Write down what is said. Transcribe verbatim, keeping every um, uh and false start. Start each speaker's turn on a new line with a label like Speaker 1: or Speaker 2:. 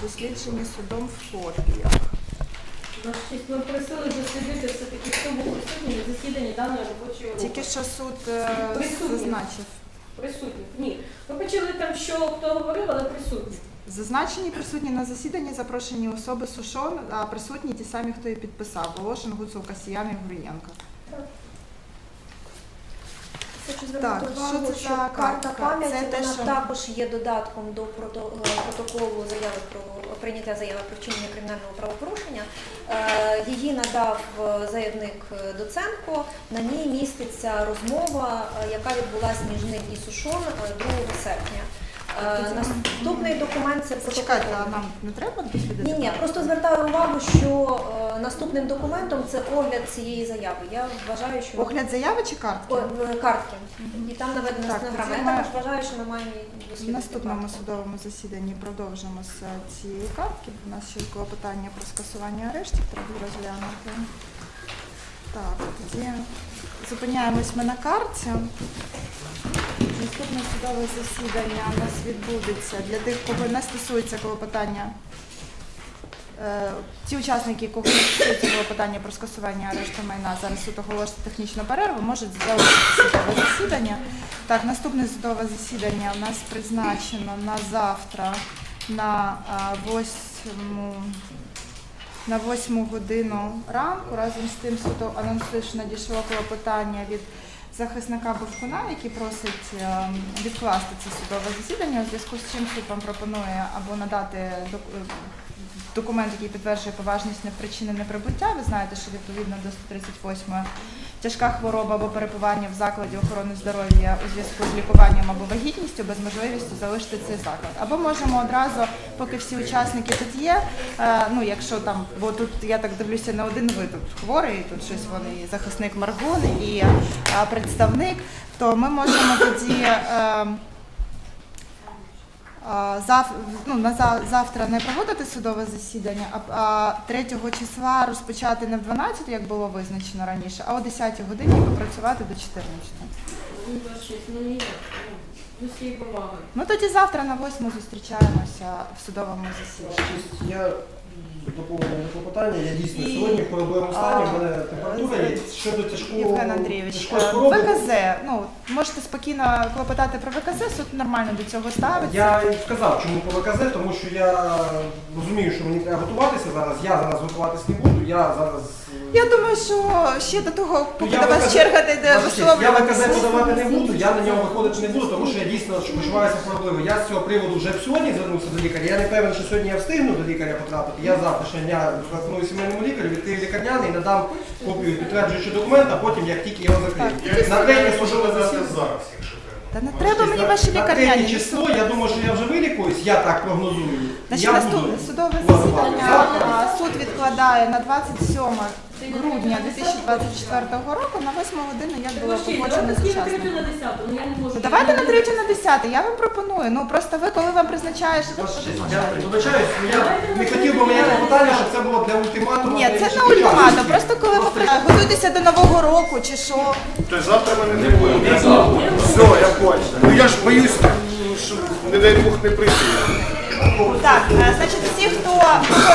Speaker 1: досліджені судом в копіях.
Speaker 2: Ваша честь, ми просили дослідити все-таки, хто був присутній на засіданні даної робочої групи.
Speaker 1: Тільки що суд е,
Speaker 2: Присутній.
Speaker 1: зазначив.
Speaker 2: Присутні. Ні. Ми почали там, що хто говорив, але присутні.
Speaker 1: Зазначені присутні на засіданні запрошені особи Сушон, а присутні ті самі, хто і підписав. Волошин, Гуцул, Касіян і Гурієнко.
Speaker 3: Хочу
Speaker 1: Так,
Speaker 3: звернути
Speaker 1: що
Speaker 3: увагу,
Speaker 1: це
Speaker 3: що
Speaker 1: за
Speaker 3: карта
Speaker 1: картка?
Speaker 3: пам'яті,
Speaker 1: Це те,
Speaker 3: вона
Speaker 1: що-
Speaker 3: також є додатком до прото- е, протоколу заяви про прийняття заяви про вчинення кримінального правопорушення. Е, Її надав е, заявник е, Доценко. На ній міститься розмова, е, яка відбулася між ним і Сушон е, другого серпня. Е, Наступний документ це протокол.
Speaker 1: Чекайте, а нам не треба дослідити?
Speaker 3: Ні, ні, просто звертаю увагу, що е, наступним документом це огляд цієї заяви. Я вважаю, що
Speaker 1: Огляд заяви чи картки?
Speaker 3: О, в- картки. І там наведена
Speaker 1: Так,
Speaker 3: стенограма.
Speaker 1: тоді
Speaker 3: Я
Speaker 1: ми
Speaker 3: також вважаю, що ми маємо її
Speaker 1: В
Speaker 3: дослідити.
Speaker 1: наступному судовому засіданні продовжимо з цієї картки. У нас ще було питання про скасування арештів, треба розглянути. Так, тоді зупиняємось ми на карті. Наступне судове засідання у нас відбудеться для тих, кого не стосується клопотання. Е, Ті учасники, кого не стосується клопотання про скасування арешту майна, зараз суд оголосить технічну перерву, можуть залишити судове засідання. Так, наступне судове засідання у нас призначено на завтра на а, восьму, на восьму годину ранку. Разом з тим суд анонсує, що надійшло клопотання від захисника Бовкуна, який просить е, відкласти це судове засідання, у зв'язку з чим суд вам пропонує або надати док- е, документ, який підтверджує поважність непричинене прибуття. Ви знаєте, що відповідно до сто тридцять восьмої тяжка хвороба або перебування в закладі охорони здоров'я у зв'язку з лікуванням або вагітністю без можливості залишити цей заклад. Або можемо одразу, поки всі учасники тут є, е, ну якщо там, бо тут я так дивлюся, не один ви тут хворий, тут щось вони і захисник Маргун, і е, представник, то ми можемо тоді е, Зав, ну, на зав, завтра не проводити судове засідання, а, а третього числа розпочати не в дванадцятій, як було визначено раніше, а о десятій годині і попрацювати до чотирнадцятої.
Speaker 2: Ну, ваша честь, ну ніяк. Ну, з цією повагою.
Speaker 1: Ну тоді завтра на восьму зустрічаємося в судовому засіданні.
Speaker 4: Я доповню клопотання. Я дійсно сьогодні в хворобливому стані, в мене температура є. Щодо тяжкого
Speaker 1: Євген Андрійович,
Speaker 4: тяжкої
Speaker 1: е,
Speaker 4: хвороби.
Speaker 1: ВКЗ, ну можете спокійно клопотати про ВКЗ, суд нормально до цього ставиться.
Speaker 4: Я і сказав, чому по ВКЗ, тому що я розумію, що мені треба готуватися зараз. Я зараз готуватися не буду. Я зараз.
Speaker 1: Я думаю, що ще до того, поки
Speaker 4: я
Speaker 1: до вас
Speaker 4: ВКЗ
Speaker 1: черга дійде
Speaker 4: Я ВКЗ
Speaker 1: висловлюватися.
Speaker 4: подавати не буду, я на нього виходити не буду, тому що я дійсно почуваюся хворобливо. Я з цього приводу вже сьогодні звернувся до лікаря. Я не певен, що сьогодні я встигну до лікаря потрапити. Я завтра ще дня зателефоную сімейному лікарю, відкрию лікарняний і надам копію підтверджуючого документа, а потім як тільки його закрию. На третє судове засідання.
Speaker 5: зараз, якщо треба.
Speaker 1: Та не треба мені ваші
Speaker 4: На
Speaker 1: лікарняні.
Speaker 4: третє число, я думаю, що я вже вилікуюсь, я так прогнозую.
Speaker 1: Значить,
Speaker 4: Я
Speaker 1: наступне
Speaker 4: буду
Speaker 1: судове
Speaker 4: вас
Speaker 1: засідання
Speaker 4: завтра.
Speaker 1: а, суд відкладає на двадцять сьоме грудня дві тисячі двадцять четвертого року на восьму годину, як було
Speaker 2: Ваша честь,
Speaker 1: погоджено
Speaker 2: давайте
Speaker 1: з
Speaker 2: скільки третю
Speaker 1: учасниками.
Speaker 2: на десяту, ну я не можу.
Speaker 1: Ну, давайте на третю, на десяте, я вам пропоную. Ну просто ви, коли вам призначаєш...
Speaker 4: Я вибачаюсь, я не хотів би моє питання, щоб це було для ультиматуму.
Speaker 1: Ні,
Speaker 4: для
Speaker 1: це
Speaker 4: інших
Speaker 1: не ультиматум,
Speaker 4: учасників.
Speaker 1: просто коли ви при- готуєтеся до Нового року чи що.
Speaker 5: Тобто завтра мене не буде. Все, я понял. Ну я ж боюсь, щоб, не дай Бог, не прийти.
Speaker 1: Так, е, значить, всі, хто